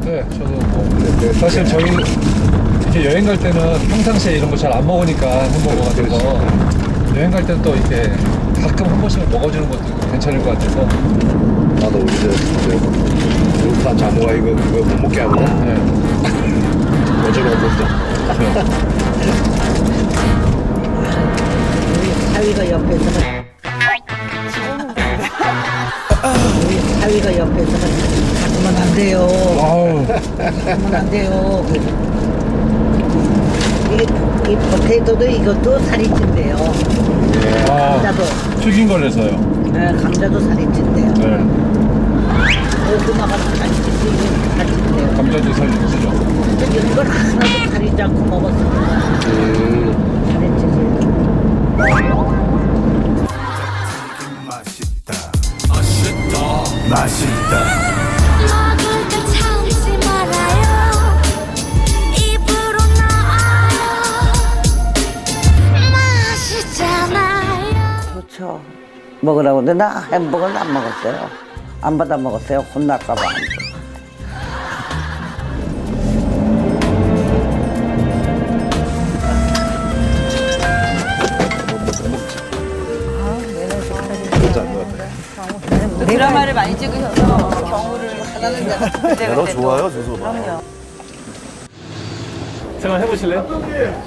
네, 저도 뭐 사실 저희 이렇게 여행 갈 때는 평상시에 이런 거 잘 안 먹으니까 햄버거 같은 거 여행 갈 때는 또 이렇게 가끔 한 번씩은 먹어주는 것도 괜찮을 것 같아서. 나도 이제 배고파 자모가 이거 못 먹게 하거든. 네. 어제로 먹자. 사위가 옆에서 우리 사위가 옆에서 가면 안 돼요. 아우, 가면 안 돼요. 이 포테이토도 이것도 살이 찐대요. 아, 감자도. 튀긴 걸 해서요. 네, 감자도 살이 찐대요. 네, 고구마가 살이 찐대요. 감자도 살리시죠. 근데 이걸 하나도 가리지 않고 먹었으면 살이 찌지. 맛있다. 먹을 때 참지 말아요. 입으로 나와요. 맛있잖아요. 좋죠. 먹으라고 근데 나 햄버거는 안 먹었어요. 안 받아 먹었어요. 혼날까 봐. 드라마를 많이 찍으셔서 경우를 하나는 너 좋아요, 저 소바. 생각해보실래요?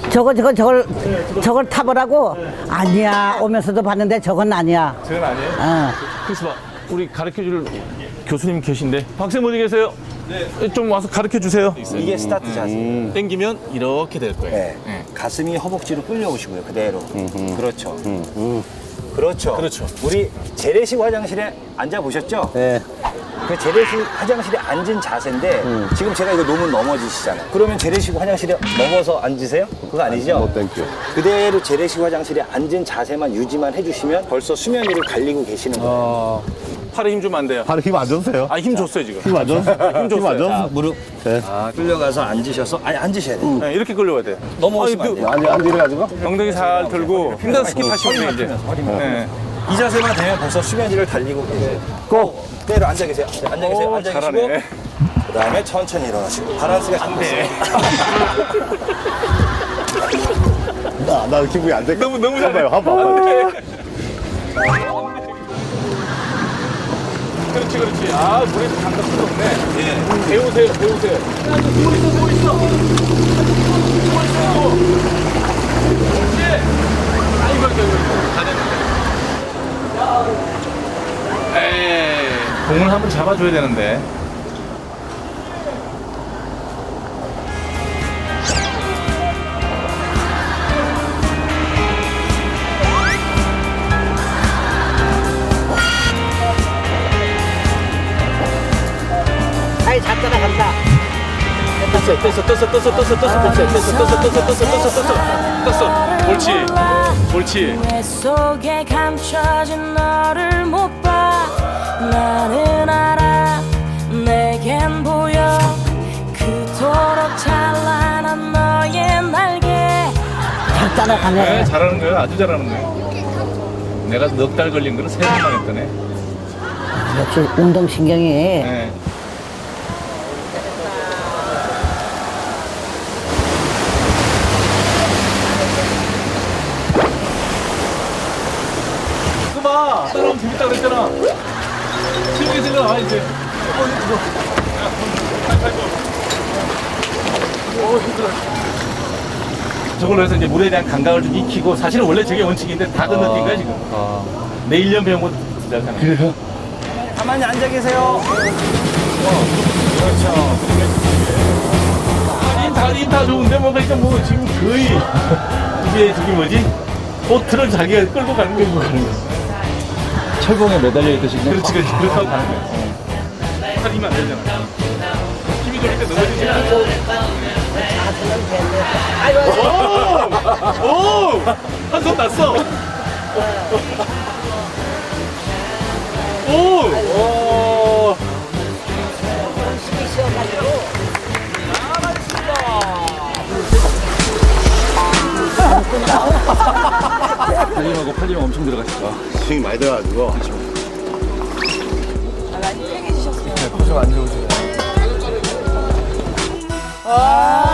저걸 타보라고? 아니야. 오면서도 봤는데 저건 아니야. 저건 아니에요? 어. 그래서 봐, 우리 가르쳐줄 교수님 계신데 학생 어디 계세요? 네. 좀 와서 가르쳐 주세요. 이게 스타트 자세. 땡기면 이렇게 될 거예요. 네. 가슴이 허벅지로 끌려오시고요. 그대로. 그렇죠. 그렇죠. 그렇죠. 우리 재래식 화장실에 앉아 보셨죠? 네. 그 재래식 화장실에 앉은 자세인데 지금 제가 이거 놓으면 넘어지시잖아요. 그러면 재래식 화장실에 넘어서 앉으세요? 그거 아니죠? 뭐 땡큐. 그대로 재래식 화장실에 앉은 자세만 유지만 해주시면 벌써 수면 위를 갈리고 계시는 거예요. 팔에 힘 주면 안 돼요. 바로 힘 안 줬어요. 아, 힘 줬어요, 지금. 힘 안 줬어? 힘 줬어요. 안 줬어? 자, 무릎 네. 끌려가서 앉으셔서 아니 앉으셔야 돼요. 네, 이렇게 끌려와야 돼요. 넘어오시면 안 돼요. 안 이래가지고? 엉덩이 살 들고 힘든 스킵하시면 돼요, 이제. 네. 이 자세만 되면 벌써 수면 위를 달리고 계세요. 고! 그대로 앉아 계세요. 앉아 계세요. 오, 앉아 계시고 잘하네. 그다음에 천천히 일어나시고 바란스가 잡혔어요. 나 기분이 안 돼. 너무 잘해. 한번 봐봐. 그렇지, 그렇지. 아, 물에 감각 필요 없네. 예. 배우세요, 배우세요. 누워 있어, 누워 있어. 누워 있어. 그렇지. 아이고, 아이고, 아이고. 다 됐는데. 에이, 공을 한번 잡아줘야 되는데. 아이, 다 따라간다. 떴어. 옳지. 옳지. 내 속에 감춰진 너를 못 봐. 나는 알아. 내겐 보여. 그토록 찬란한 너의 날개. 다 따라가네. 네, 잘하는 거예요. 아주 잘하는 거예요. 내가 넉 달 걸린 거를 3번만 했더네. 역시 운동신경이. 네. 그거 봐. 따라오면 재밌다 그랬잖아. 재밌게 생각나, 이제. 힘들어. 저걸로 해서 이제 물에 대한 감각을 좀 익히고, 사실은 원래 저게 원칙인데 다 건너뛴 거야, 지금. 내 1년 배운 거 진짜잖아. 그래요? 가만히 앉아 계세요. 다 좋은데 뭐 그러니까 뭐 지금 거의 이게 저기 뭐지? 보트를 자기가 끌고 가는 거고 가는 거. 철봉에 매달려 있듯이 그냥 그렇지 그렇지 그렇다고 가는 거야. 살이면 안 되잖아. 힘이 돌릴 때 넘어지지 않아. 오! 한 손 났어. 오! 팔림하고 팔림 엄청 들어가시죠. 힘이 많이 들어가지고. 많이 팽해지셨어요. 표정 안 좋으시네. 아.